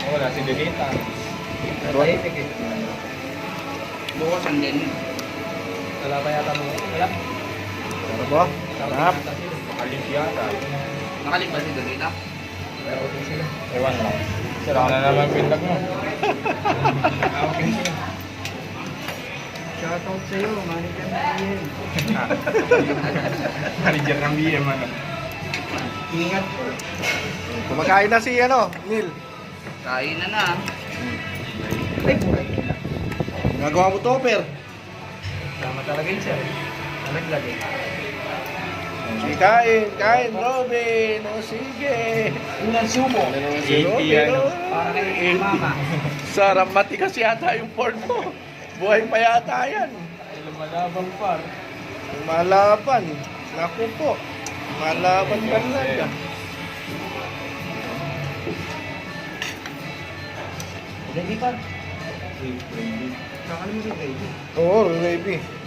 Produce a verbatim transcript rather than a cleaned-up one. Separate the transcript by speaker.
Speaker 1: Wala si Delita.
Speaker 2: Tahimik eh.
Speaker 3: Bukas ang din.
Speaker 2: Wala pa yata mo. Wala.
Speaker 4: Ano ba? Sarap.
Speaker 1: Alis yata.
Speaker 3: Nakalik ba si Dolita?
Speaker 2: Pero okay sila.
Speaker 1: Ewan lang. Sira na naman pindag mo.
Speaker 2: Okay sila. Shoutout sa'yo, manager na iyan.
Speaker 1: Manager ng B M ano.
Speaker 2: Ingat po.
Speaker 4: Kumakain na si ano, Neil.
Speaker 3: Kain na na.
Speaker 2: Ay, buhay nila.
Speaker 4: Nagawa mo topper.
Speaker 2: Tama talaga yun, sir. Nalaglag eh.
Speaker 4: Sige, kain, kain, Robin. O sige.
Speaker 2: Unang sumo.
Speaker 4: Ano si
Speaker 1: eighty
Speaker 4: Robin?
Speaker 1: ano.
Speaker 4: oh?
Speaker 2: Para kay mama.
Speaker 4: Sarap, matikas yata yung pork mo. Buhay pa yata yan.
Speaker 1: Lumalabang par.
Speaker 4: Malaban. Naku po. Malaban ka talaga.
Speaker 2: Ready pa? Kakalimutin ready.
Speaker 4: Oo, baby.